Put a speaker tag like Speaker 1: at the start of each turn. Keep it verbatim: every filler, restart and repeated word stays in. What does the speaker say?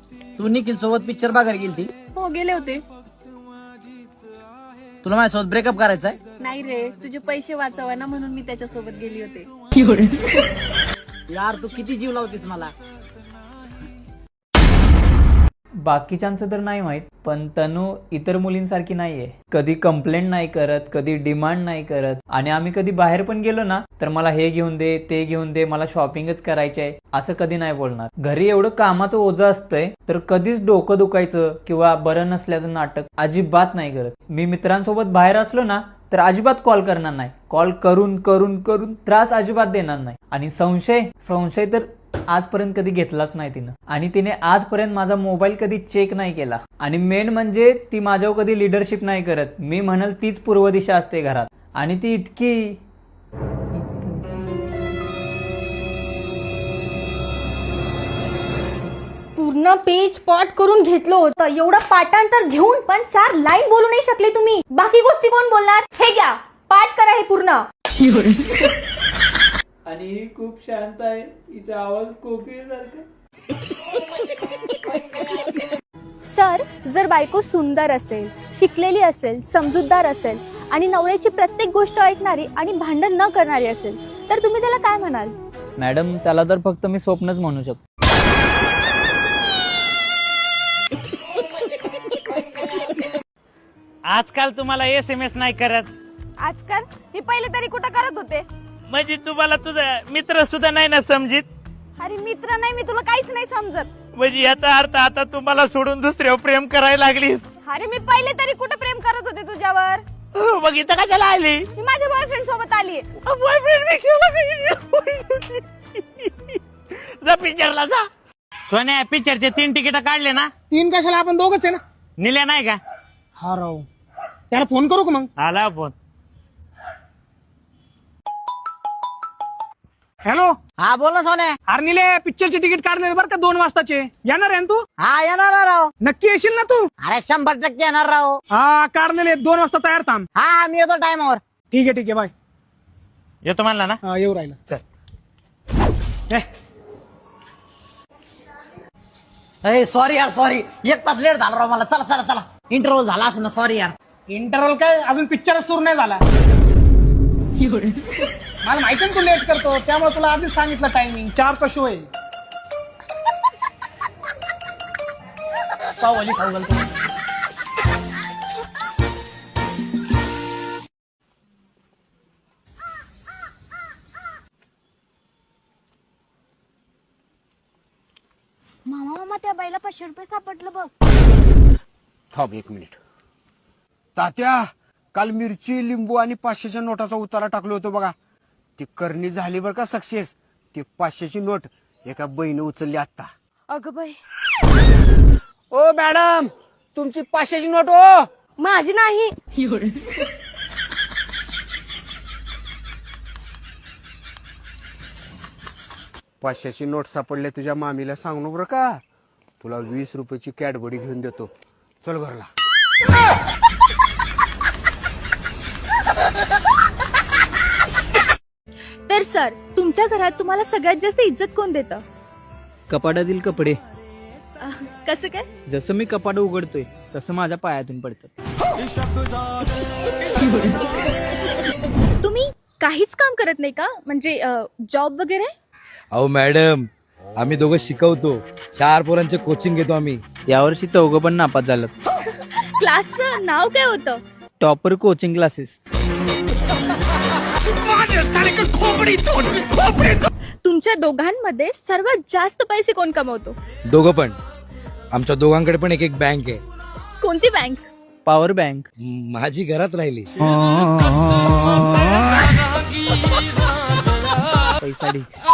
Speaker 1: तू निखिल सोबत पिक्चर बघायला गेलती?
Speaker 2: हो गेले होते.
Speaker 1: तुला माझ्यासोबत ब्रेकअप करायचा आहे?
Speaker 2: नाही रे, तुझे पैसे वाचवा ना म्हणून मी त्याच्यासोबत गेली होते.
Speaker 1: यार तू किती जीव लावतीस मला.
Speaker 3: बाकीच्यांचं तर नाही माहित, पण तनू इतर मुलींसारखी नाहीये. कधी कंप्लेंट नाही करत, कधी डिमांड नाही करत. आणि आम्ही कधी बाहेर पण गेलो ना तर मला हे घेऊन दे, ते घेऊन दे, मला शॉपिंगच करायची आहे असं कधी नाही बोलणार. घरी एवढं कामाचं ओझं असतंय तर कधीच डोकं दुखायचं किंवा बरं नसल्याचं नाटक अजिबात नाही करत. मी मित्रांसोबत बाहेर असलो ना तर अजिबात कॉल करणार नाही. कॉल करून करून करून त्रास अजिबात देणार नाही. आणि संशय संशय तर आजपर्यंत कधी घेतलाच नाही तिनं. आणि तिने आजपर्यंत माझा मोबाईल कधी चेक नाही केला. आणि मेन म्हणजे ती माझ्यावर कधी लिडरशिप नाही करत. मी म्हणल तीच पूर्व दिशा असते घरात. आणि ती इतकी
Speaker 4: पूर्ण पेज पॉट करून घेतलं होतं. एवढं पाठांतर घेऊन पण चार लाईन बोलू नाही शकले तुम्ही. बाकी गोष्टी कोण बोलणार? हे घ्या, पाठ करा हे पूर्ण.
Speaker 3: आणि ही खूप शांत आहे. हिचा आवाज कोकिळेसारखा.
Speaker 4: सर, जर बायको सुंदर असेल, शिकलेली असेल, समजूतदार असेल आणि नवऱ्याची प्रत्येक गोष्ट ऐकणारी आणि भांडण न करणारी असेल तर तुम्ही त्याला काय म्हणाल?
Speaker 3: मॅडम, त्याला तर फक्त मी स्वप्नच म्हणू शकतो.
Speaker 5: आजकाल तुम्हाला एस एम एस नाही करत.
Speaker 4: आजकाल मी पहिले तरी कुठं करत होते.
Speaker 5: म्हणजे तुम्हाला तुझा मित्र सुद्धा नाही ना समजित.
Speaker 4: अरे मित्र नाही, मी तुला काहीच नाही समजत.
Speaker 5: म्हणजे याचा अर्थ आता तुम्हाला सोडून दुसऱ्यावर प्रेम करायला लागलीस.
Speaker 4: अरे मी पहिले तरी कुठं प्रेम करत होते तुझ्यावर.
Speaker 5: हो, मग इथं कशाला आली?
Speaker 4: मी माझ्या बॉयफ्रेंड सोबत आली.
Speaker 5: बॉयफ्रेंड मी केला. जा पिक्चरला जा. सोन्या, पिक्चरचे तीन तिकीट काढले ना?
Speaker 6: तीन कशाला, आपण दोघच आहे ना.
Speaker 5: निल्या नाही का?
Speaker 6: हा राव, त्याला फोन करू का मग?
Speaker 5: आला फोन.
Speaker 6: हॅलो.
Speaker 1: हा बोल ना सोन्या.
Speaker 6: अरे निले, पिक्चरचे तिकीट काढले बरं का, दोन वाजताचे. येणार आहे ना तू?
Speaker 1: हा येणार ना राव.
Speaker 6: नक्की येशील ना तू?
Speaker 1: अरे शंभर टक्के येणार राव.
Speaker 6: हा काढलेले, दोन वाजता तयार थांब.
Speaker 1: हा हा मी येतो टाइमवर.
Speaker 6: ठीक आहे ठीक आहे, बाय.
Speaker 5: येतो म्हणला ना?
Speaker 6: हा येऊ राहिला. चल.
Speaker 1: ए सॉरी यार, सॉरी. एक तास लेट झाला राव मला. चला चला चला, इंटरव्ह्यू झाला असं ना. सॉरी यार.
Speaker 6: इंटरव्हल काय, अजून पिक्चरच सुरू नाही झाला. मला माहिती ना तू लेट करतो, त्यामुळे तुला आधीच सांगितलं टायमिंग. चारचा शो आहे. पावभाजी खाऊ घालतो.
Speaker 4: मामा मामा त्या बाईला पाचशे रुपये सापडलं बघ.
Speaker 7: थांब एक मिनिट. तात्या, काल मिरची, लिंबू आणि पाचशेच्या नोटाचा उतारा टाकलो होतो बघा. ती करणी झाली बरं का सक्सेस. ती पाचशेची नोट एका बहिणी उचलली आता.
Speaker 4: अगं बाई,
Speaker 7: ओ मॅडम, तुमची पाचशेची नोट. ओ
Speaker 4: माझी नाही.
Speaker 7: पाचशेची नोट सापडले तुझ्या मामीला सांगू बरं का. तुला वीस रुपयाची कॅडबडी घेऊन देतो. चल घरला.
Speaker 4: तर सर, तुमच्या घरात तुम्हाला सगळ्यात जास्त इज्जत कोण देतं?
Speaker 3: कपाटातील कपडे.
Speaker 4: कसं काय?
Speaker 3: जसं मी कपाट उघडतोय तसं माझ्या पायातून पडतात.
Speaker 4: तुम्ही काहीच काम करत नाही का? म्हणजे जॉब वगैरे?
Speaker 8: अहो मॅडम, आम्ही दोघं शिकवतो. चार पोरांचे कोचिंग घेतो आम्ही.
Speaker 3: यावर्षी चौघं पण नापास झालं.
Speaker 4: क्लासचं नाव काय होतं?
Speaker 3: Topper coaching classes.
Speaker 4: तुमच्या दोघांमध्ये सर्वात जास्त पैसे कोण कमवतो?
Speaker 8: दोघं पण. आमच्या दोघांकडे पण एक एक बँक आहे.
Speaker 4: कोणती बँक?
Speaker 3: Power bank.
Speaker 8: माझी घरात राहिली.
Speaker 3: पैसा ढीक.